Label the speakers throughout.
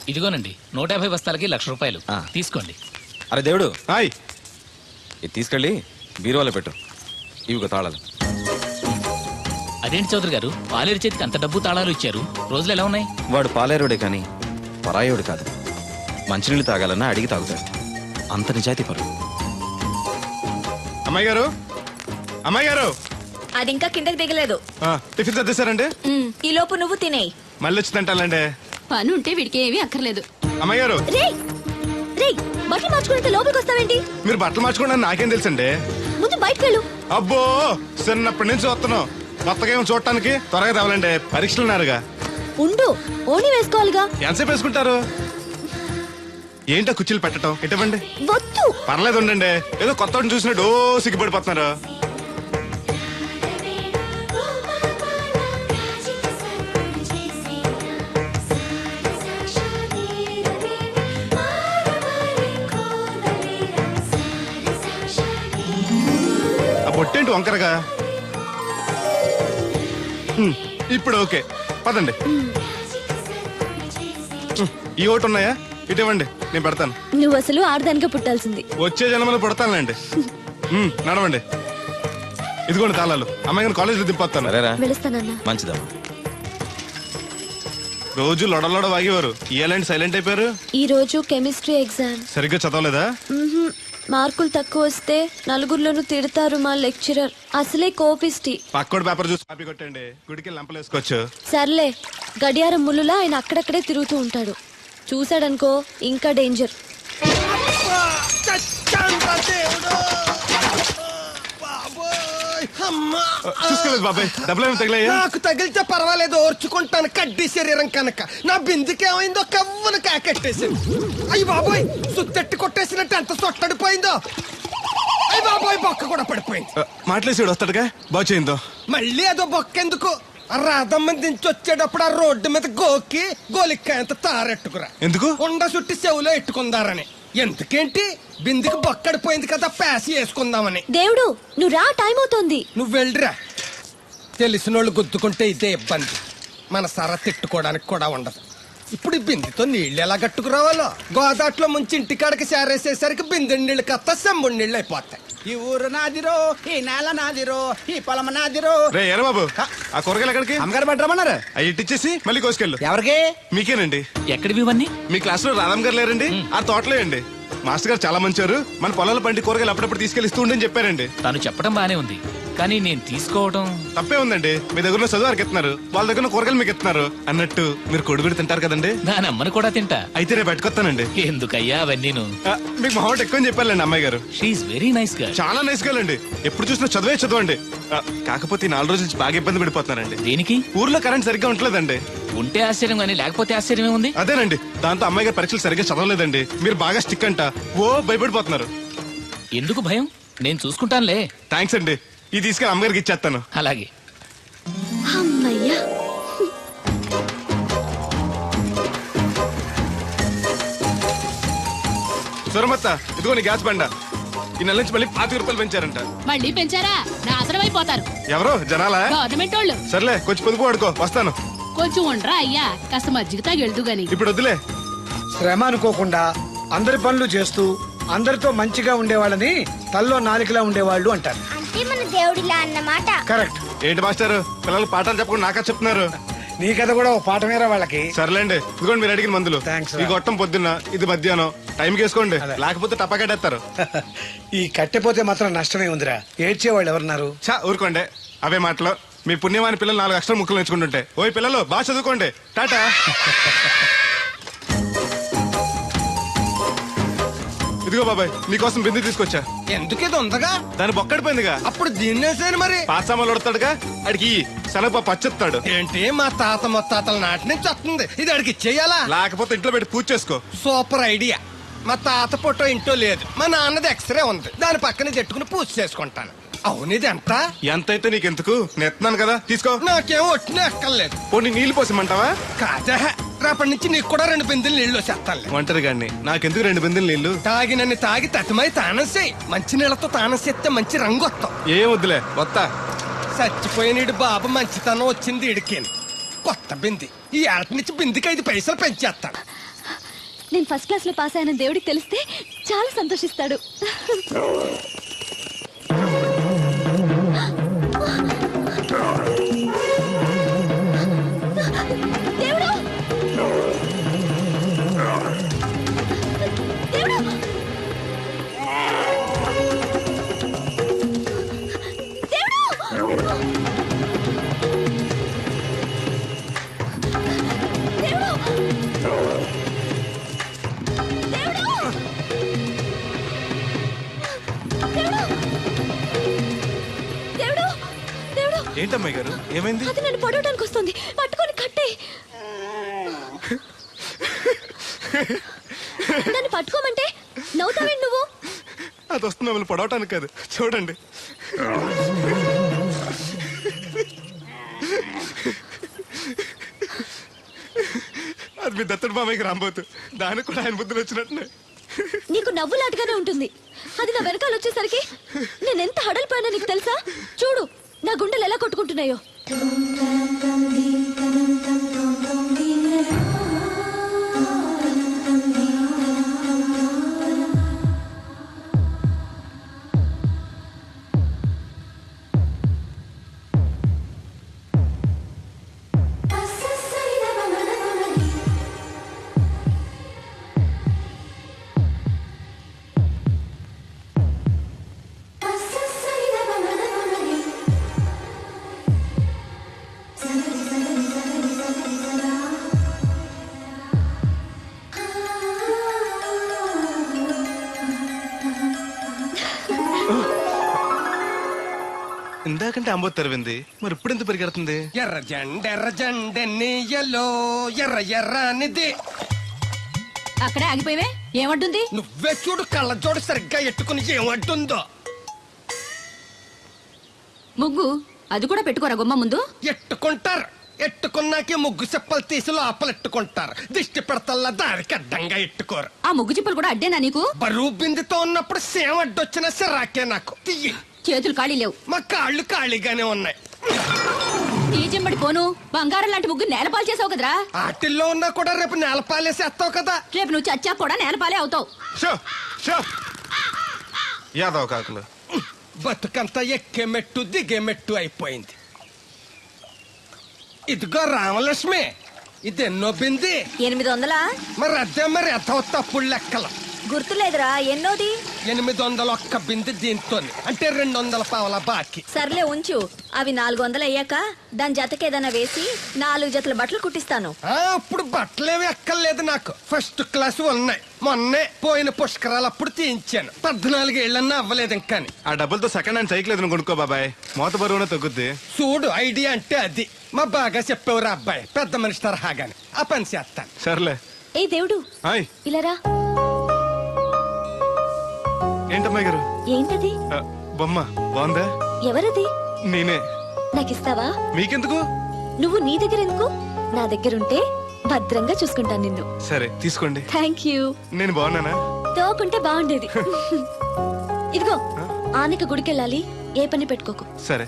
Speaker 1: ఇదిగోనండి 150 బస్తాలకి 1,00,000 రూపాయలు తీసుకోండి.
Speaker 2: అరే దేవుడు,
Speaker 3: హాయ్.
Speaker 2: ఇది తీసుకెళ్ళి బీరువాలో పెట్టు. ఇవిగో తాళాలు.
Speaker 1: అదేంటి చౌదరి గారు, పాలేరు చేతికి అంత డబ్బు తాళాలు ఇచ్చారు, రోజులు ఎలా ఉన్నాయి?
Speaker 2: వాడు పాలేరుడే కానీ పరాయోడు కాదు. మంచినీళ్ళు తాగాలన్నా అడిగి తాగుతాడు. అంత నిజాయితీ పరుడు.
Speaker 3: అమ్మాయి గారు, అమ్మాయి గారు,
Speaker 4: అది ఇంకా కిందకి దిగలేదు.
Speaker 3: టిఫిన్ సర్దేశారండి?
Speaker 4: ఈ లోపు నువ్వు తినేయి.
Speaker 3: మళ్ళీ వచ్చి తింటానండి.
Speaker 5: పని ఉంటే వీడికి ఏమీ అక్కర్లేదు.
Speaker 3: అమ్మాయి గారు,
Speaker 4: బట్టలు మార్చుకుంటే లోపలికి వస్తావేంటి?
Speaker 3: మీరు బట్టలు మార్చుకోండి నాకేం తెలుసండి.
Speaker 4: ముందు బయటకు వెళ్ళు.
Speaker 3: అబ్బో, చిన్నప్పటి నుంచి వస్తున్నాం. కొత్తగా ఏమో చూడటానికి త్వరగా తేవాలండి. పరీక్షలు ఉన్నారుగా.
Speaker 4: ఉండు, ఓణి వేసుకోవాలిగా.
Speaker 3: ఎంతసేపు వేసుకుంటారు? ఏంటో కుర్చీలు పెట్టడం ఇటువంటి.
Speaker 4: వద్దు.
Speaker 3: పర్లేదు ఉండండి. ఏదో కొత్త చూసినట్టు సిగ్గుపడిపోతున్నారు. ఆ బొట్టేంటి వంకరగా? ఇప్పుడు ఓకే, పదండి. ఈ ఒకటి ఉన్నాయా? ఇటువంటి నేను పెడతాను.
Speaker 4: నువ్వు అసలు ఆడదానిగా పుట్టాల్సింది.
Speaker 3: వచ్చే జన్మలో పుడతానులేండి. నడవండి. ఇదిగోండి తాళాలు. అమ్మాయి కాలేజీలో దింపొస్తాను.
Speaker 4: వెళుస్తానన్నా.
Speaker 2: మంచిదమ్మా.
Speaker 3: రోజు లొడలోడ వాగేవారు, ఇయ్యాలంటే సైలెంట్ అయిపోయారు.
Speaker 4: ఈ రోజు కెమిస్ట్రీ ఎగ్జామ్.
Speaker 3: సరిగ్గా చదవలేదా?
Speaker 4: మార్కులు తక్కువ వస్తే నలుగురిలోనూ తిడతారు మా లెక్చరర్. అసలే కోపిస్టి.
Speaker 3: పక్కోడి పేపర్ చూసి కాపీ కొట్టండి. గుడికి లంపలేసుకోవచ్చు.
Speaker 4: సర్లే, గడియారం ముళ్ళులా ఆయన అక్కడక్కడే తిరుగుతూ ఉంటాడు. చూశాడనుకో ఇంకా డేంజర్.
Speaker 3: చూసుకోలేదు బాబాయ్, డబ్బులు తగిలాయా?
Speaker 6: నాకు తగిలితే పర్వాలేదు, ఓర్చుకుంటాను. కడ్డీ శరీరం కనుక నా బిందుకేమైందో కవ్వను కాకెట్టేసింది. అయ్యి బాబోయ్, సుత్తెట్టి కొట్టేసినట్టు ఎంత సొట్టడిపోయిందో. అయ్యి బాబోయ్, బొక్క కూడా పడిపోయింది.
Speaker 3: మాట్లాడేసాడు వస్తాడుగా, బాగు చేయిందో.
Speaker 6: మళ్ళీ అదో బొక్క ఎందుకు? రాధమ్మ దించి వచ్చేటప్పుడు ఆ రోడ్డు మీద గోకి గోలిక్కాయంత తారెట్టుకురా.
Speaker 3: ఎందుకు?
Speaker 6: ఉండ చుట్టి చెవులో ఎట్టుకుందారని. ఎందుకేంటి? బిందుకి బొక్కడిపోయింది కదా, ప్యాసి వేసుకుందామని.
Speaker 4: దేవుడు, నువ్వు రా, టైం అవుతోంది.
Speaker 6: నువ్వు వెళ్ళిరా. తెలిసినోళ్ళు గుద్దుకుంటే ఇదే ఇబ్బంది. మన సర తిట్టుకోవడానికి కూడా ఉండదు. ఇప్పుడు ఈ బిందెతో నీళ్లు ఎలా కట్టుకురావాలో. గోదాట్లో ముంచి ఇంటికాడకి సేరేసేసరికి బిందె నీళ్ళు కత్త సెంబుడి నీళ్ళు అయిపోతాయి.
Speaker 7: ఈ ఊరు నాదిరో, ఈ నేల నాదిరో, ఈ పొలం నాదిరో.
Speaker 3: రే ఏరా బాబు, ఆ కూరగాయలు ఎక్కడికి?
Speaker 7: అమ్మగారు పట్టరమన్నారు.
Speaker 3: అవి ఇచ్చేసి మళ్ళీ కోసుకెళ్ళు.
Speaker 7: ఎవరికి?
Speaker 3: మీకేనండి.
Speaker 1: ఎక్కడివి ఇవన్నీ?
Speaker 3: మీ క్లాస్ లో రాధమ్ గారు లేరండి? ఆ తోటలే అండి. మాస్టర్ గారు చాలా మంచివారు. మన పొలాల పండి కూరగాయలు అప్పుడప్పుడు తీసుకెళ్లిస్తూ ఉండని చెప్పారండి.
Speaker 1: తను చెప్పడం బానే ఉంది, కానీ నేను తీసుకోవడం
Speaker 3: తప్పే ఉందండి. మీ దగ్గర చదువు వారికి ఎత్తున్నారు, వాళ్ళ దగ్గర కూరగాయలు మీకు ఎత్తున్నారు. అన్నట్టు మీరు కొడుగుడి తింటారు కదండి.
Speaker 1: దాని అమ్మను కూడా తింటా.
Speaker 3: అయితే రేపు పెట్టుకొస్తానండి.
Speaker 1: ఎందుకయ్యా అవన్నీను?
Speaker 3: మీకు మామూలు ఎక్కువ చెప్పాలండి అమ్మాయి గారు.
Speaker 1: షీఈ్ వెరీ నైస్ గా.
Speaker 3: చాలా నైస్ గా అండి. ఎప్పుడు చూసినా చదువే చదవండి. కాకపోతే 4 రోజుల నుంచి బాగా ఇబ్బంది పడిపోతున్నారండి.
Speaker 1: దేనికి?
Speaker 3: ఊర్లో కరెంట్ సరిగ్గా ఉండలేదండి.
Speaker 1: ఉంటే ఆశ్చర్యం కానీ లేకపోతే ఆశ్చర్యమే ఉంది.
Speaker 3: అదేనండి, దాంతో అమ్మాయి గారు పరీక్షలు సరిగ్గా చదవలేదండి. మీరు బాగా స్టిక్ అంట, ఓ భయపడిపోతున్నారు.
Speaker 1: ఎందుకు భయం? నేను చూసుకుంటానులే.
Speaker 3: థ్యాంక్స్ అండి. ఇది తీసుకెళ్ళి అమ్మగారికి ఇచ్చేస్తాను.
Speaker 1: అలాగే.
Speaker 4: అమ్మయ్యా.
Speaker 3: సురమత్త, ఇదిగో నీ గ్యాస్ బండ. ఈ నెల నుంచి మళ్ళీ 25 రూపాయలు పెంచారంట.
Speaker 5: మళ్ళీ పెంచారా? నాశనం అయిపోతారు.
Speaker 3: ఎవరో జనాలా?
Speaker 5: గవర్నమెంట్ వాళ్ళు.
Speaker 3: సర్లే, కొంచెం పొదుపు పడుకో, వస్తాను.
Speaker 5: కొంచెం ఉండరా అయ్యా, కాస్త మజ్జిగ తాగి వెళ్తూ గాని.
Speaker 3: ఇప్పుడు వద్దులే.
Speaker 8: శ్రమ అనుకోకుండా అందరి పనులు చేస్తూ అందరితో మంచిగా ఉండేవాళ్ళని తల్లో నాలికలా ఉండేవాళ్ళు అంటారు.
Speaker 9: అంటే మన దేవుడిలా అన్నమాట.
Speaker 8: కరెక్ట్.
Speaker 3: ఏంటి మాస్టర్, పిల్లలు పాఠాలు చెప్పకుండా నాకా చెప్తున్నారు?
Speaker 8: నీ కథ కూడా ఒక పాఠమేరా వాళ్ళకి.
Speaker 3: సర్లేండి, ఇదిగోండి మీరు అడిగిన మందులు. ఈ గొట్టం పొద్దున్న, ఇది మధ్యాహ్నం. టైంకి వేసుకోండి, లేకపోతే టపాకట్టేస్తారు.
Speaker 8: ఈ కట్టెపోతే మాత్రం నష్టమే ఉందిరా. ఏడ్చేవాళ్ళు ఎవరున్నారు?
Speaker 3: చా ఊరుకోండి, అవే మాటలు. మీ పుణ్యమాని పిల్లలు 4 అక్షరం ముక్కలు నేర్చుకుంటుంటే. ఓయ్ పిల్లలు, బాగా చదువుకోండి. టాటా. ఇదిగో బాబాయ్, నీకోసం బిందు తీసుకొచ్చా.
Speaker 6: ఎందుకేదో ఉందగా?
Speaker 3: దాని బొక్కడిపోయిందిగా.
Speaker 6: అప్పుడు దీన్నేసాను మరి.
Speaker 3: పాసామాలు వడతాడుగా, అడిగి శనగ పచ్చెత్తాడు.
Speaker 6: ఏంటి, మా తాత ముత్తాతల నాటి నుంచి వస్తుంది. ఇది అడిగి ఇచ్చేయాలా?
Speaker 3: లేకపోతే ఇంట్లో పెట్టి పూజ చేసుకో.
Speaker 6: Super idea. మా తాత ఫోటో ఇంట్లో లేదు, మా నాన్నది ఎక్స్రే ఉంది. దాని పక్కన చెట్టుకుని పూజ చేసుకుంటాను. అవును, ఇది ఎంత?
Speaker 3: ఎంతైతే నీకెందుకు, నెత్తున్నాను కదా, తీసుకో.
Speaker 6: నాకేం ఒట్టిన ఎక్కర్లేదు.
Speaker 3: పోనీ నీళ్లు పోసమంటావా?
Speaker 6: కాదే, రేపటి నుంచి నీకు కూడా 2 బిందెలు నీళ్లు చేస్తాను.
Speaker 3: ఒంటరి గాడిని, నాకెందుకు 2 బిందెలు నీళ్లు?
Speaker 6: తాగినన్ని తాగి తటిమై తానం చేయి. మంచి నీళ్లతో తానం చేస్తే మంచి రంగు వస్తాం.
Speaker 3: ఏం వద్దులే, వస్తా.
Speaker 6: చచ్చిపోయిన బాబు మంచితనం వచ్చింది ఇడికి. కొత్త బింది. ఈ ఏట నుంచి బిందికి 5 పైసలు పెంచేస్తాను.
Speaker 4: నేను ఫస్ట్ క్లాస్ లో పాస్ అయిన దేవుడికి తెలిస్తే చాలా సంతోషిస్తాడు. దేవుడు! దేవుడు!
Speaker 3: ఏంటమ్మాయి గారు ఏమైంది?
Speaker 4: అది నన్ను పడవడానికి వస్తుంది, పట్టుకొని కట్టే. నన్ను పట్టుకోమంటే నవ్వుతావేంటి నువ్వు?
Speaker 3: అది వస్తుంది మిమ్మల్ని పడవటానికి కాదు, చూడండి. అది మీ దత్తడు మామయ్యకి రాబోతు, దానికి కూడా ఆయన బుద్ధులు వచ్చినట్టు.
Speaker 4: నీకు నవ్వులాటగానే ఉంటుంది. అది నా వెనకాల వచ్చేసరికి నేను ఎంత హడలిపోయానో నీకు తెలుసా? చూడు నా గుండెలు ఎలా కొట్టుకుంటున్నాయో.
Speaker 3: ఇందాకంటే అంబో తెరవింది, మరి ఇప్పుడు ఎంత పరిగెడుతుంది?
Speaker 6: ఎర్ర జెండెన్నీయలో ఎర్ర ఎర్రనిది.
Speaker 5: అక్కడే ఆగిపోయావే, ఏమంటుంది?
Speaker 6: నువ్వే చూడు, కళ్ళజోడు సరిగ్గా ఎట్టుకుని ఏమంటుందో.
Speaker 5: ముగ్గు అది కూడా పెట్టుకోరా గుమ్మ ముందు.
Speaker 6: ఎట్టుకుంటారు, ఎట్టుకున్నాకే ముగ్గు చెప్పలు తీసి లోపలెట్టుకుంటారు. దిష్టి పెడతల్లా దానికి అడ్డంగా ఎట్టుకోరు.
Speaker 5: ఆ ముగ్గు చిప్పలు కూడా అడ్డేనా నీకు?
Speaker 6: బరువు బిందుతో ఉన్నప్పుడు సేమ అడ్డొచ్చిన సిరాకే నాకు. తీయి.
Speaker 5: చేతులు ఖాళీ లేవు,
Speaker 6: మా కాళ్ళు ఖాళీగానే ఉన్నాయి.
Speaker 5: నీ చెంబడి పోను బంగారం లాంటి ముగ్గు నేలపాలు చేసావు కదరా.
Speaker 6: ఆటిల్లో ఉన్నా కూడా రేపు నేలపాలేసేస్తావు కదా.
Speaker 5: రేపు నువ్వు చచ్చా కూడా నేలపాలే అవుతావు.
Speaker 3: షో షో యాదవ కాకులు.
Speaker 6: బతుకంతా ఎక్కే మెట్టు దిగే మెట్టు అయిపోయింది. ఇదిగో రామలక్ష్మి, ఇదెన్నో బింది?
Speaker 4: 800.
Speaker 6: మరి అదే మరి ఎథవ తప్పుడు లెక్కలు.
Speaker 4: గుర్తులేదురా ఎన్నోది?
Speaker 6: 801 బింది దీంతో, అంటే 200 పావల బాకీ.
Speaker 4: సర్లే ఉంచు, అవి 400 అయ్యాక దాని జతకేదైనా వేసి 4 జతల బట్టలు కుట్టిస్తాను.
Speaker 6: ఇప్పుడు బట్టలేవి ఎక్కర్లేదు నాకు, ఫస్ట్ క్లాస్ ఉన్నాయి. మొన్నే పోయిన పుష్కరాలప్పుడు తీయించాను. 14 ఏళ్ళన్నా అవ్వలేదు ఇంకా.
Speaker 3: ఆ డబ్బులతో సెకండ్ హ్యాండ్ సైకిల్ ఏదైనా కొనుక్కో బాబాయ్, మోత బరువునే తగ్గుద్ది.
Speaker 6: చూడు ఐడియా అంటే అది. మా బాగా చెప్పేవారు అబ్బాయి, పెద్ద మనిషి తరహాగాని. ఆ పని చేస్తాను.
Speaker 3: సర్లే.
Speaker 4: ఏ దేవుడు,
Speaker 3: హాయ్.
Speaker 4: ఇలారా.
Speaker 3: ఏంటమ్మాయి గారు?
Speaker 4: ఏంటది?
Speaker 3: బొమ్మ బాగుందా?
Speaker 4: ఎవరది?
Speaker 3: నేనే.
Speaker 4: నాకిస్తావా?
Speaker 3: మీకెందుకు?
Speaker 4: నువ్వు నీ దగ్గర ఎందుకు? నా దగ్గరుంటే భద్రంగా చూసుకుంటాను నిన్ను.
Speaker 3: సరే తీసుకోండి.
Speaker 4: Thank you.
Speaker 3: నేను బాగున్నానా?
Speaker 4: తోకుంటే బాగుండేది. ఇదిగో ఆనక గుడికెళ్ళాలి, ఏ పని పెట్టుకోకు.
Speaker 3: సరే.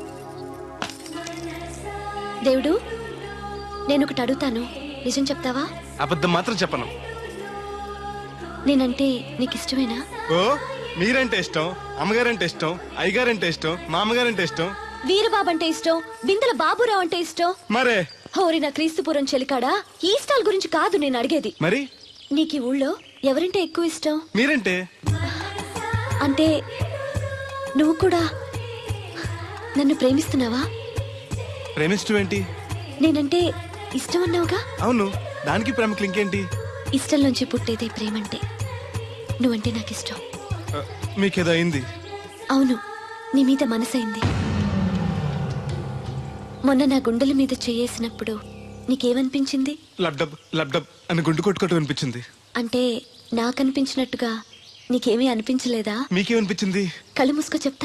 Speaker 4: దేవుడు, నేను ఒకటి అడుగుతాను, నిజం చెప్తావా?
Speaker 3: అబద్ధం మాత్రం చెప్పను.
Speaker 4: నేనంటే నీకు ఇష్టమేనా?
Speaker 3: ఓ, మీరంటే ఇష్టం, అమ్మగారంటే ఇష్టం, అయ్యగారంటే ఇష్టం, మామగారంటే ఇష్టం,
Speaker 4: వీరబాబు అంటే ఇష్టం, బిందెల బాబురావు అంటే ఇష్టం.
Speaker 3: మరే
Speaker 4: హోరి నా క్రీస్తుపురం చెలికాడా, ఈ స్టాల్ గురించి కాదు నేను అడిగేది.
Speaker 3: మరి
Speaker 4: నీకు ఈ ఊళ్ళో ఎవరంటే ఎక్కువ ఇష్టం?
Speaker 3: మీరంటే.
Speaker 4: అంటే నువ్వు కూడా నన్ను ప్రేమిస్తున్నావా?
Speaker 3: ప్రేమిష్టం ఏంటి?
Speaker 4: నేనంటే ఇష్టం అన్నావుగా.
Speaker 3: అవును, దానికి ప్రేమకి ఇంకేంటి?
Speaker 4: ఇష్టం నుంచి పుట్టేదే ప్రేమంటే. నువ్వంటే నాకు ఇష్టం.
Speaker 3: మీకేదో అయింది?
Speaker 4: అవును, నీ మీద మనసైంది. మొన్న నా గుండెల మీద చేయేసినప్పుడు నీకేమనిపించింది?
Speaker 3: లబ్డబ్ లబ్డబ్ అని గుండు కొట్టుకోవటం అనిపించింది.
Speaker 4: అంటే నాకనిపించినట్టుగా నీకేమీ అనిపించలేదా?
Speaker 3: మీకేమనిపించింది?
Speaker 4: కళ్ళు మూసుకో చెప్తా.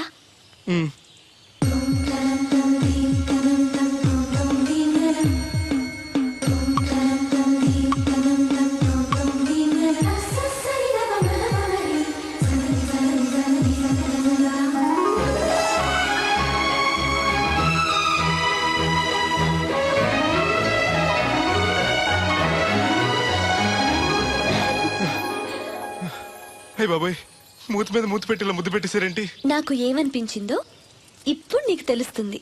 Speaker 3: అయ్య బాబోయ్, మూతి మీద మూతి పెట్టేలా ముద్దు పెట్టేశారేంటి?
Speaker 4: నాకు ఏమనిపించిందో ఇప్పుడు నీకు తెలుస్తుంది.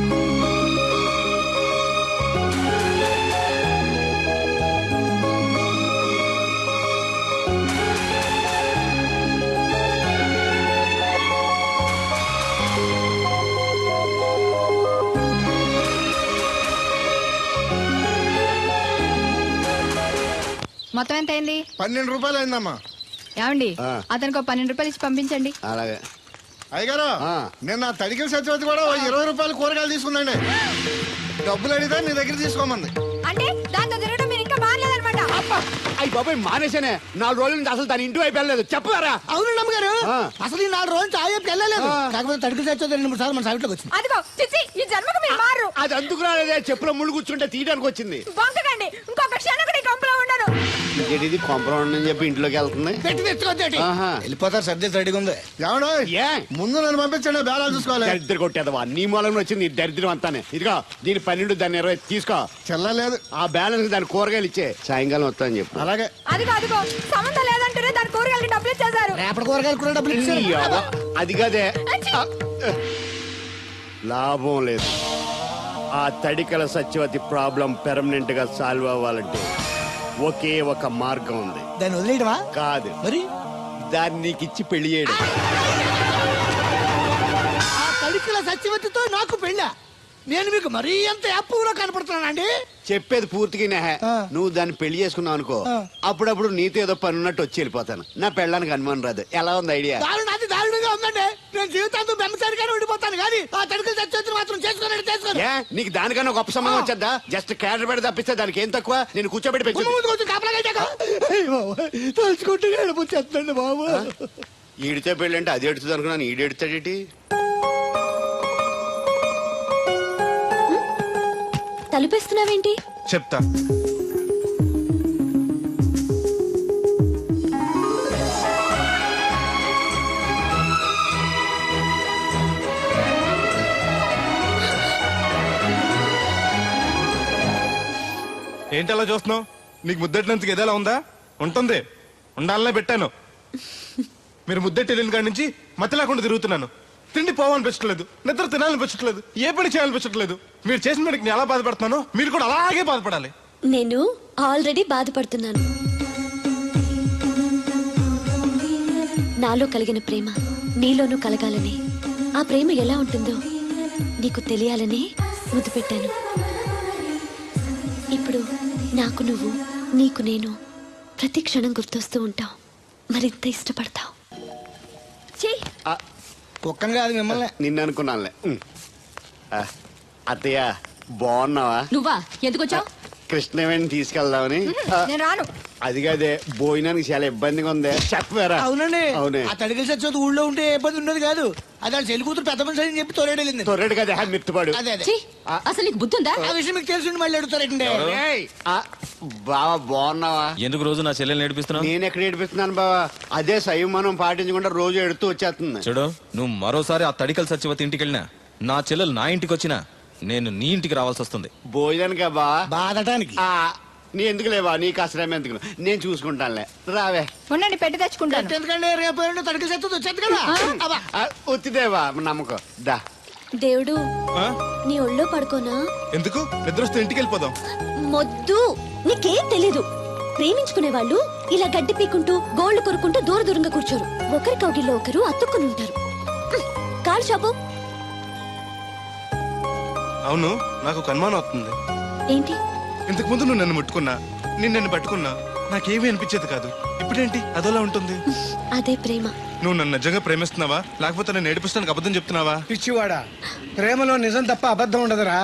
Speaker 5: మొత్తం ఎంత అయింది?
Speaker 3: 12 రూపాయలు అయిందమ్మా.
Speaker 5: ఏమండి అతనికి 12 రూపాయలు ఇచ్చి పంపించండి.
Speaker 3: అలాగే అయ్యగారు, నేను ఆ తడికిల సత్యవతి కూడా 20 రూపాయలు కూరగాయలు తీసుకుందండి. డబ్బులు అడిగితే నీ దగ్గర తీసుకోమంది.
Speaker 5: అంటే దాంతో తిరగడం మీరు ఇంకా మారలేదన్నమాట.
Speaker 7: అయ్యి బాబాయ్ మానేశానే. 4 రోజుల నుంచి అసలు తన ఇంటి వైపు వెళ్ళలేదు. చెప్పారా?
Speaker 8: అవును అమ్మగారు, అసలు ఈ 4 రోజులు చాయకి వెళ్ళలేదు. కాకపోతే తడికి చచ్చేది 2-3 సార్లు మన సైట్లోకి వచ్చింది.
Speaker 5: అదిగో చిచ్చి, ఈ జన్మకు మీరు మారు.
Speaker 7: అది అందుకు రాలేదే, చెప్పులో ముళ్ళు కూర్చుంటే తీయడానికి వచ్చింది.
Speaker 5: బొంకకండి, ఇంకొక క్షణం కూడా ఈ కంపులో ఉండను.
Speaker 7: ఇది కొంపరం ఉండని చెప్పి ఇంట్లోకి వెళ్తుంది.
Speaker 8: పెట్టి తెచ్చుకోండి, వెళ్ళిపోతారు. సర్ది రెడీగా ఉంది.
Speaker 3: ఏమన్నా
Speaker 7: ఏ
Speaker 3: ముందు నన్ను పంపించండి, బేళాలు చూసుకోవాలి.
Speaker 7: దరిద్ర కొట్టేదవా, నీ మూలంలో వచ్చింది ఈ దరిద్రం అంతానే. ఇదిగో దీని 12, దాన్ని 20 తీసుకో.
Speaker 3: చెల్లలేదు.
Speaker 7: ఆ బ్యాలెన్స్ దాని కూరగాయలు ఇచ్చే, సాయంకాలం వస్తాను చెప్పు.
Speaker 3: అలాగే.
Speaker 5: అదిగో సంబంధం లేదంటూనే దాని కూరగాయలకి డబ్బులు ఇచ్చేశారు.
Speaker 8: రేపటి కూరగాయలు కూడా డబ్బులు
Speaker 7: ఈ
Speaker 8: ఇచ్చారు.
Speaker 7: అవ్వ, అది కదే లాభం లేదు. ఆ తడికల సత్యవతి ప్రాబ్లం పెర్మనెంట్ గా సాల్వ్ అవ్వాలంటే ఒకే ఒక మార్గం ఉంది.
Speaker 8: దాన్ని వదిలేయడమా?
Speaker 7: కాదు,
Speaker 8: మరి
Speaker 7: దాన్ని నీకిచ్చి పెళ్లి చేయడం.
Speaker 8: ఆ తడికిల సత్యవతితో నాకు పెళ్ళా? నేను మీకు మరీ ఎంత యాప్లో కనపడుతున్నానండి?
Speaker 7: చెప్పేది పూర్తిగా నెహ. నువ్వు దాన్ని పెళ్లి చేసుకున్నావు అనుకో, అప్పుడప్పుడు నీతో ఏదో పని ఉన్నట్టు వచ్చి వెళ్ళిపోతాను. నా పెళ్ళడానికి అనుమానం రాదు. ఎలా ఉంది ఐడియా?
Speaker 8: అది దారుణంగా ఉందండి. నేను జీవితాంతం బెమ్మసారిగానే ఉండిపోతాను కానీ ఆ తడికిల సత్యవతిని మాత్రం చేసుకోను.
Speaker 7: ఏ నీకు దానికన్నా గొప్ప సంబంధం వచ్చేద్దా? జస్ట్ క్యాడర్ పెట్టి తప్పిస్తే దానికి ఏం తక్కువ? నేను కూర్చోబెట్టి పెంచు.
Speaker 8: తలుచుకుంటే ఏడిపోతుందండి బాబు.
Speaker 7: ఈడితే పెళ్ళి అంటే అది ఎడుతుంది అనుకున్నాను, ఈడు ఎడుతాడేటి?
Speaker 4: తలుపేస్తున్నావేంటి?
Speaker 3: చెప్తా. ఏంటి అలా చూస్తున్నావు? నీకు ముద్దెట్టినందుకు ఏదైనా ఉందా? ఉంటుంది, ఉండాలనే పెట్టాను. మీరు ముద్దెట్టి వెళ్ళిన కాడి నుంచి మతి లేకుండా తిరుగుతున్నాను. తిండి పోవాలనిపించట్లేదు, నిద్ర తినాలనిపించట్లేదు, ఏ పని చేయాలనిపించట్లేదు. మీరు చేసిన పనికి నేను ఎలా బాధపడుతున్నానో మీరు కూడా అలాగే బాధపడాలి.
Speaker 4: నేను ఆల్రెడీ బాధపడుతున్నాను. నాలో కలిగిన ప్రేమ నీలోనూ కలగాలని, ఆ ప్రేమ ఎలా ఉంటుందో నీకు తెలియాలని ముద్దు పెట్టాను. ఇప్పుడు నాకు నువ్వు, నీకు నేను ప్రతి క్షణం గుర్తొస్తూ ఉంటావు. మరింత ఇష్టపడతావు.
Speaker 8: ఒక్కని కాదు మిమ్మల్ని.
Speaker 7: నిన్ను అనుకున్నానులే. అత్తయ్య బాగున్నావా?
Speaker 5: నువ్వా ఎందుకు వచ్చావు?
Speaker 7: కృష్ణవేణి తీసుకెళ్దామని.
Speaker 5: నేను రాను.
Speaker 7: అది కాదే, భోజనానికి చాలా ఇబ్బందిగా ఉంది. చెప్పారా?
Speaker 8: అవునండి.
Speaker 7: అవునే.
Speaker 8: ఆ తడికిల సత్యవతి ఊళ్ళో ఉంటే ఏ ఇబ్బంది ఉండదు కాదు. అది వాళ్ళ చెల్లి కూతురు పెద్ద మనిషి అని చెప్పి తోలేడెళ్ళింది.
Speaker 7: తొర్రెడు కదా మిత్తుపాడు.
Speaker 8: అదే అదే.
Speaker 5: ఛీ, అసలు నీకు బుద్ధి ఉందా?
Speaker 8: ఆ విషయం మీకు తెలిసి మళ్ళీ అడుగుతారండి.
Speaker 7: బావా బాగున్నావా?
Speaker 2: ఎందుకు రోజు నా చెల్లెల్ని నేర్పిస్తున్నావు?
Speaker 7: నేను ఎక్కడ ఏడిపిస్తున్నాను బావా? అదే సంయమనం పాటించకుండా రోజు ఎడుతూ వచ్చేస్తుంది.
Speaker 2: చూడు, నువ్వు మరోసారి ఆ తడికల సత్యవతి ఇంటికి వెళ్ళినా, నా చెల్లెలు నా ఇంటికి వచ్చినా, నేను నీ ఇంటికి రావాల్సి వస్తుంది.
Speaker 7: భోజనానికా బావా?
Speaker 8: బాధటానికి.
Speaker 7: నీ ఎందుకు లేవా? నీకు అసలు ఎందుకు, నేను చూసుకుంటానులే. రావే.
Speaker 5: ఉండండి, పెట్టి తెచ్చుకుంటాను.
Speaker 8: ఎందుకంటే రేపు తడికిల సత్యవతి వచ్చేది కదా.
Speaker 7: ఒత్తిదేవా నమ్మకం. దా
Speaker 4: దేవుడు, నీ ఒళ్ళో పడుకోనా?
Speaker 3: ఎందుకు? నిద్ర వస్తే ఇంటికి వెళ్ళిపోదాం.
Speaker 4: మొద్దు, నీకేం తెలీదు. ప్రేమించుకునే వాళ్ళు ఇలా గడ్డి పీకుంటూ గోళ్లు కొరుకుంటూ దూరంగా కూర్చోరు. ఒకరి కౌగిల్లో ఒకరు అతుక్కుని ఉంటారు. కాలు చాపు.
Speaker 3: అవును, నాకు ఒక అనుమానం అవుతుంది.
Speaker 4: ఏంటి?
Speaker 3: ఇంతకు ముందు నువ్వు నన్ను ముట్టుకున్నా, నన్ను పట్టుకున్నా, నాకేమీ అనిపించేది కాదు. ఇప్పుడేంటి అదోలా ఉంటుంది?
Speaker 4: అదే ప్రేమ.
Speaker 3: నువ్వు నన్ను నిజంగా ప్రేమిస్తున్నావా, లేకపోతే నన్ను ఏడిపిస్తానికి అబద్ధం చెప్తున్నావా?
Speaker 8: పిచ్చివాడా, ప్రేమలో నిజం తప్ప అబద్ధం ఉండదురా.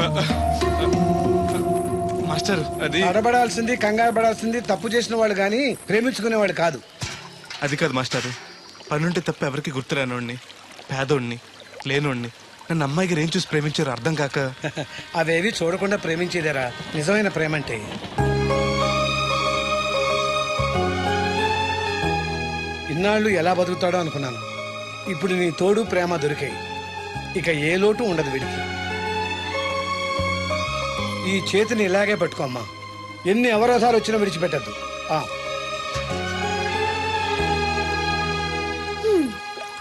Speaker 3: మాస్టర్, అది
Speaker 8: అడబడాల్సింది, కంగారు పడాల్సింది తప్పు చేసిన వాళ్ళు గాని ప్రేమించుకునేవాడు కాదు.
Speaker 3: అది కాదు మాస్టర్. పనుంటే తప్ప ఎవరికి గుర్తురానోడిని, పేదోడిని, లేనోడిని నన్ను అమ్మాయి గారు ఏం చూసి ప్రేమించారో అర్థం కాక.
Speaker 8: అవేవి చూడకుండా ప్రేమించేదేరా నిజమైన ప్రేమ అంటే. ఇన్నాళ్ళు ఎలా బతుకుతాడో అనుకున్నాను. ఇప్పుడు నీ తోడు ప్రేమ దొరికాయి. ఇక ఏ లోటు ఉండదు వీడికి. ఈ చేతిని ఇలాగే పట్టుకోమ్మా. ఎన్ని అవరోధాలు వచ్చినా విడిచిపెట్టద్దు.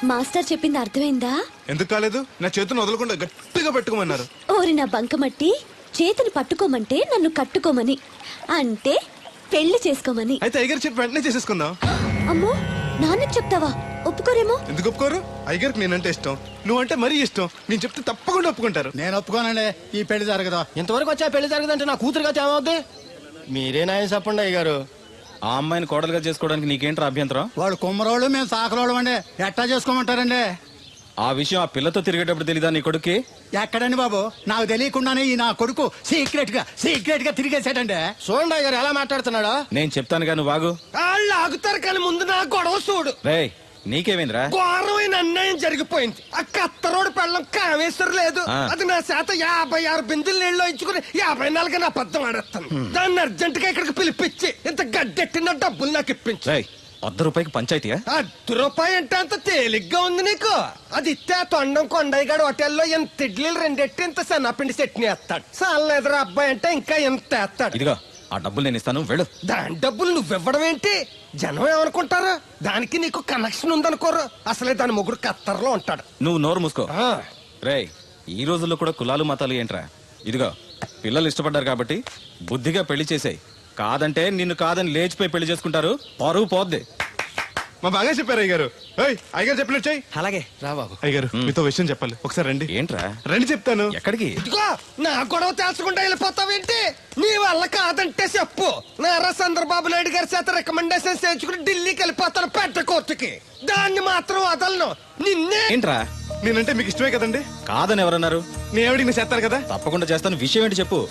Speaker 4: మాస్టర్ చెప్పింది అర్థమైందా?
Speaker 3: ఎందుకు కాలేదు? నా చేతిని వదలకుండా గట్టిగా పెట్టుకోమన్నారు.
Speaker 4: ఓరి నా బంకమట్టి, చేతిని పట్టుకోమంటే నన్ను కట్టుకోమని, అంటే పెళ్లి చేసుకోమని.
Speaker 3: అయితే అయ్యగారు చెప్పి వెంటనే చేసేసుకుందాం.
Speaker 4: అమ్మో, నాన్నకి చెప్తావా? ఒప్పుకోరేమో.
Speaker 3: ఎందుకు ఒప్పుకోరు? అయ్యగారికి నేనంటే ఇష్టం, నువ్వంటే మరీ ఇష్టం. నేను చెప్తే తప్పకుండా ఒప్పుకుంటారు.
Speaker 10: నేను ఒప్పుకోనండి, ఈ పెళ్లి జరగదు. ఇంతవరకు వచ్చా పెళ్లి జరగదంటే నా కూతురుగా ఏమవుద్ది? మీరే నాయ చెప్పండి అయ్య గారు.
Speaker 2: ఆ అమ్మాయిని కోడలుగా చేసుకోవడానికి నీకేంట్రా అభ్యంతరం?
Speaker 10: వాడు కుమ్మరోళ్ళు, మేము సాకరోళ్ళు అండి. ఎట్టా చేసుకోమంటారండి?
Speaker 2: ఆ విషయం ఆ పిల్లతో తిరిగేటప్పుడు తెలీదా నీ కొడుక్కి?
Speaker 10: ఎక్కడండి బాబు, నాకు తెలియకుండానే ఈ నా కొడుకు సీక్రెట్ గా తిరిగేసాడండి. చూడండి అయ్య గారు ఎలా మాట్లాడుతున్నాడా.
Speaker 2: నేను చెప్తానుగా, నువ్వు బాగు.
Speaker 6: వాళ్ళు ఆగుతారు కానీ ముందు నా గొడవ చూడు.
Speaker 2: రేయ్, నీకేమైందిరా?
Speaker 6: ఘోరమైన అన్యాయం జరిగిపోయింది. ఆ కత్తరోడు పెళ్ళం కామేశ్వరం లేదు.
Speaker 2: ఆ.
Speaker 6: అది నా చేత 56 బిందులు నీళ్ళు ఇచ్చుకుని 54 నా అబద్ధం ఆడేస్తాను. దాన్ని అర్జెంట్ గా ఇక్కడికి పిలిపించి ఇంత గడ్డెట్టిన డబ్బులు నాకు ఇప్పించు.
Speaker 2: రేయ్, ₹100 పంచాయతీయా?
Speaker 6: ₹1 అంటే అంత తేలిగ్గా ఉంది నీకు. అది ఇస్తే ఆ తొండం కొండయ్యగాడు హోటల్లో ఎంత ఇడ్లీలు 2 ఎట్టి ఇంత సన్నపిండి చట్నీ వేస్తాడు. సాలెదరా అబ్బాయి అంటే ఇంకా ఎంత వేస్తాడు.
Speaker 2: ఇదిగో ఆ డబ్బులు నేను ఇస్తాను, వెళ్ళు.
Speaker 6: దాని డబ్బులు నువ్వివ్వడం ఏంటి? జనం ఏమనుకుంటారు? దానికి నీకు కనెక్షన్ ఉందనుకోరు. అసలే దాని ముగ్గురు కత్తర్లో ఉంటాడు.
Speaker 2: నువ్వు నోరు మూసుకో.
Speaker 6: ఆ,
Speaker 2: రేయ్, ఈ రోజుల్లో కూడా కులాలు మతాలు ఏంట్రా? ఇదిగో పిల్లలు ఇష్టపడ్డారు కాబట్టి బుద్ధిగా పెళ్లి చేసేయ్. కాదంటే నిన్ను కాదని లేచిపోయి పెళ్లి చేసుకుంటారు, పరువు పోద్ది.
Speaker 3: మా బాగా చెప్పారు అయ్యగారు. అయ్యగారు చెప్పినట్టు చెయ్యి.
Speaker 10: అలాగే రా బాబు.
Speaker 3: అయ్యగారు మీతో విషయం చెప్పాలి, ఒకసారి రండి.
Speaker 2: ఏంట్రా?
Speaker 3: రండి చెప్తాను.
Speaker 2: ఎక్కడికి?
Speaker 6: ఇదిగో నా గొడవ తెలుసుకుంటా వెళ్ళిపోతావేంటి? నీ వల్ల కాదంటే చెప్పు. నారా చంద్రబాబు నాయుడు గారి చేత రికమెండేషన్ చేయించుకుని ఢిల్లీకి వెళ్ళిపోతాను పెద్ద కోర్టుకి. దాన్ని మాత్రం వదలను. నిన్నే.
Speaker 2: ఏంట్రా?
Speaker 3: నేనంటే మీకు ఇష్టమే కదండి.
Speaker 2: కాదని ఎవరన్నారు?
Speaker 3: నేను ఎవడికి చేస్తారు కదా.
Speaker 2: తప్పకుండా చేస్తాను. విషయం ఏంటి చెప్పు.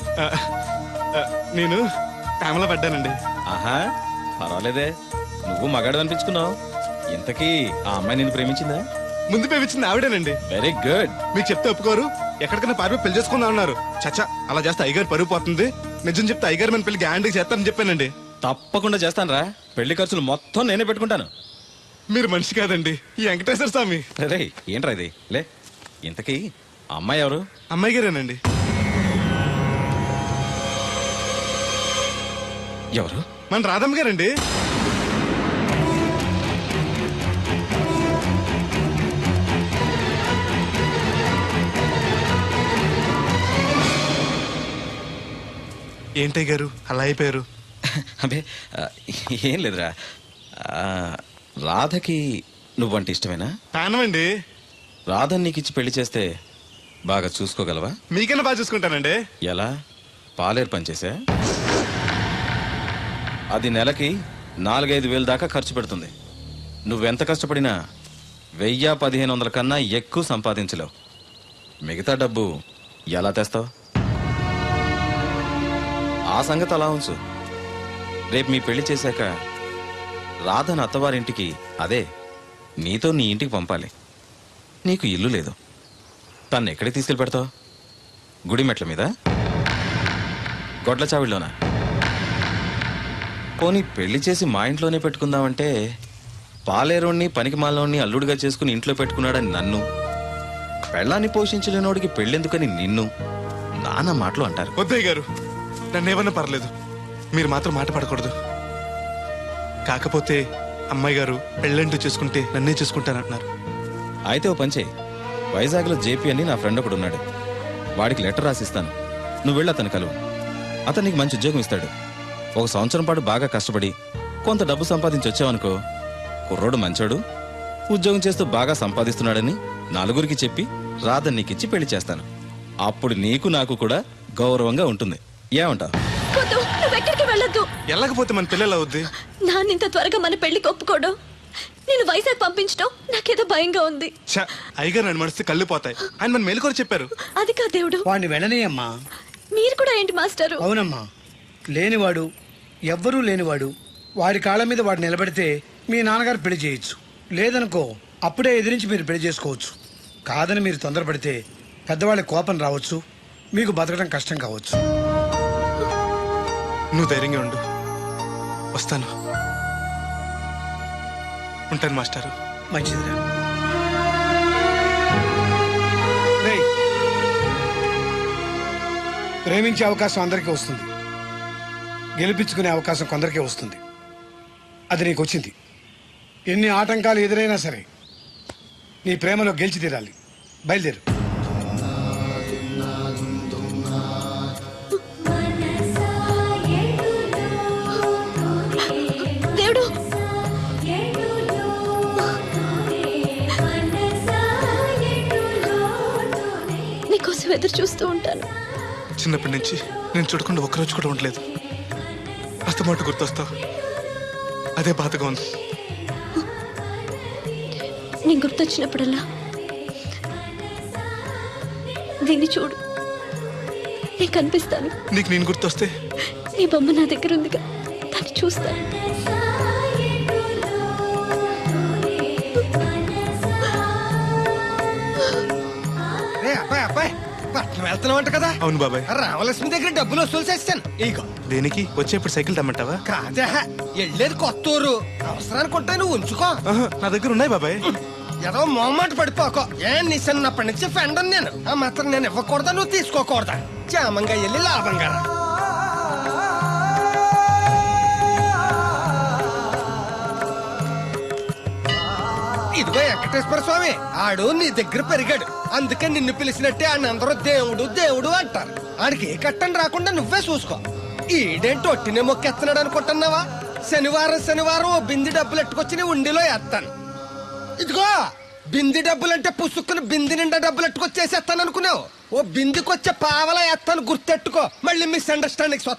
Speaker 3: నేను ప్రేమలో పడ్డానండి.
Speaker 2: ఆహా, పర్వాలేదే, నువ్వు మగాడు అనిపించుకున్నావు. ఇంతకీ ఆ అమ్మాయి నిన్ను ప్రేమించిందా?
Speaker 3: ముందు పేపించింది ఆవిడేనండి.
Speaker 2: Very good.
Speaker 3: మీకు చెప్తే ఒప్పుకోరు. ఎక్కడికైనా పారిపోయి పెళ్లి చేసుకుందాం అన్నారు. చచ్చా, అలా చేస్తే అయ్యగారు పరుగు పోతుంది. నిజం చెప్తే అయ్యగారు మన పెళ్లి గ్యాండ్కి చేస్తానని చెప్పానండి.
Speaker 2: తప్పకుండా చేస్తాను రా. పెళ్లి ఖర్చులు మొత్తం నేనే పెట్టుకుంటాను.
Speaker 3: మీరు మనిషి కాదండి, ఈ వెంకటేశ్వర స్వామి.
Speaker 2: రే, ఏంట్రా ఇది? లే, ఇంతకీ ఆ అమ్మాయి ఎవరు?
Speaker 3: అమ్మాయి గారేనండి.
Speaker 2: ఎవరు?
Speaker 3: మన రాధమ్మ గారండి. ఏంటయ్య గారు అలా అయిపోయారు?
Speaker 2: అబే, ఏం లేదురా. రాధకి నువ్వంటే ఇష్టమేనా?
Speaker 3: ప్రాణమండి.
Speaker 2: రాధని నీకు ఇచ్చి పెళ్లి చేస్తే బాగా చూసుకోగలవా?
Speaker 3: మీకన్నా బాగా చూసుకుంటానండి.
Speaker 2: ఎలా? పాలేరు పనిచేసా? అది నెలకి 4-5 వేలు దాకా ఖర్చు పెడుతుంది. నువ్వెంత కష్టపడినా 1000-1500 కన్నా ఎక్కువ సంపాదించలేవు. మిగతా డబ్బు ఎలా తెస్తావు? ఆ సంగతి అలా ఉంచు. రేపు మీ పెళ్లి చేశాక రాధను అత్తవారింటికి, అదే నీతో నీ ఇంటికి పంపాలి. నీకు ఇల్లు లేదు. తను ఎక్కడికి తీసుకెళ్ళి పెడతావు? గుడి మెట్ల మీద? గొడ్ల చావిడిలోనా? పోనీ పెళ్లి చేసి మా ఇంట్లోనే పెట్టుకుందామంటే పాలేరోణ్ణి పనికి మాలోని అల్లుడిగా చేసుకుని ఇంట్లో పెట్టుకున్నాడని నన్ను, పెళ్ళాన్ని పోషించలేనోడికి పెళ్ళెందుకని నిన్ను నానా మాటలు అంటారు.
Speaker 3: వద్దయ్య గారు, నన్ను ఏమన్నా పర్లేదు, మీరు మాత్రం మాట పడకూడదు. కాకపోతే అమ్మాయి గారు పెళ్ళంటూ చేసుకుంటే నన్నే చేసుకుంటానంటున్నారు.
Speaker 2: అయితే ఓ పంచే, వైజాగ్లో జేపీ అని నా ఫ్రెండ్ ఒకడు ఉన్నాడు. వాడికి లెటర్ రాసిస్తాను, నువ్వు వెళ్ళి అతను కలువు. అతను నీకు మంచి ఉద్యోగం ఇస్తాడు. 1 సంవత్సరం పాటు బాగా కష్టపడి కొంత డబ్బు సంపాదించి వచ్చావనుకో, కుర్రోడు మంచోడు, ఉద్యోగం చేస్తూ బాగా సంపాదిస్తున్నాడని నలుగురికి చెప్పి రాధని నీకిచ్చి పెళ్లి చేస్తాను. అప్పుడు నీకు నాకు కూడా గౌరవంగా ఉంటుంది. ఏమంటావు?
Speaker 4: వద్దు, నువ్వెక్కడికి వెళ్ళొద్దు.
Speaker 3: వెళ్ళకపోతే మన పిల్లలు అవుద్ది.
Speaker 4: నాన్న ఇంత త్వరగా మన పెళ్లికి ఒప్పుకోవడం, నేను వైజాగ్ పంపించడం నాకేదో భయంగా ఉంది.
Speaker 3: అయ్యగారు నన్ను మనసు కళ్ళు పోతాయి. ఆయన మన మేలు కూడా చెప్పారు.
Speaker 4: అది కాదు దేవుడు.
Speaker 8: వాడిని వెళ్ళనీయమ్మా.
Speaker 4: మీరు కూడా ఏంటి మాస్టారు?
Speaker 8: అవునమ్మా, లేనివాడు, ఎవ్వరూ లేనివాడు, వాడి కాళ్ళ మీద వాడు నిలబడితే మీ నాన్నగారు పెళ్లి చేయొచ్చు. లేదనుకో, అప్పుడే ఎదిరించి మీరు పెళ్లి చేసుకోవచ్చు. కాదని మీరు తొందరపడితే పెద్దవాళ్ళ కోపం రావచ్చు, మీకు బతకడం కష్టం కావచ్చు.
Speaker 3: నువ్వు ధైర్యంగా ఉండు, వస్తాను. ఉంటాను మాస్టారు.
Speaker 8: మంచిదిరా. రేయ్, ప్రేమించే అవకాశం అందరికీ వస్తుంది, గెలిపించుకునే అవకాశం కొందరికే వస్తుంది. అది నీకు వచ్చింది. ఎన్ని ఆటంకాలు ఎదురైనా సరే నీ ప్రేమలో గెలిచి తీరాలి. బయలుదేరు.
Speaker 4: దేవుడు నీకోసం ఎదురు చూస్తూ ఉంటాను.
Speaker 3: చిన్నప్పటి నుంచి నేను చూడకుండా ఒక్కరోజు కూడా ఉండలేదు. అస్తమాట గుర్తొస్తావు, అదే బాధగా ఉంది.
Speaker 4: నేను గుర్తొచ్చినప్పుడల్లా దీన్ని చూడు, నేను కనిపిస్తాను.
Speaker 3: నీకు నేను గుర్తొస్తే
Speaker 4: నీ బొమ్మ నా దగ్గర ఉందిగా, దాన్ని చూస్తాను.
Speaker 6: రే అబ్బాయి అబ్బాయి, పట్నం వెళ్తున్నావంట కదా?
Speaker 3: అవును బాబాయ్.
Speaker 6: రామలక్ష్మి దగ్గర డబ్బులు వసూలు చేస్తాను. ఇగో.
Speaker 3: దేనికి? వచ్చేప్పుడు సైకిల్ తెమ్మంటావా?
Speaker 6: కాదే, వెళ్ళేది కొత్త ఊరు, అవసరానికి ఉంటాయి, నువ్వు ఉంచుకో.
Speaker 3: ఆహా, నా దగ్గర ఉన్నాయి బాబాయ్.
Speaker 6: ఏదో మొహమాట పడిపోకో. నీ చిన్నప్పటి నుంచి ఫ్రెండ్ నేను. ఆ మాత్రం నేను ఇవ్వకూడదా, నువ్వు తీసుకోకూడదా? క్షేమంగా వెళ్ళి లాభంగా రా. ఇదిగో వెంకటేశ్వర స్వామి, ఆడు నీ దగ్గర పెరిగాడు, అందుకే నిన్ను పిలిచినట్టే ఆయన అందరూ దేవుడు దేవుడు అంటారు. ఆడికి ఏ కట్టం రాకుండా నువ్వే చూసుకో. ఈడేంటి ఒట్టినే మొక్కెత్తనాడు అనుకుంటున్నావా? శనివారం శనివారం ఓ బింది డబ్బులు ఎట్టుకొచ్చి నీ ఉండిలో వేస్తాను. ఇదిగో బింది డబ్బులంటే పుసుక్కుని బింది నిండా డబ్బులు ఎట్టుకొచ్చేసేస్తాను అనుకున్నావు. ఓ బిందికొచ్చే పావలా వేస్తాను, గుర్తెట్టుకో. మళ్ళీ మిస్అండర్స్టాండింగ్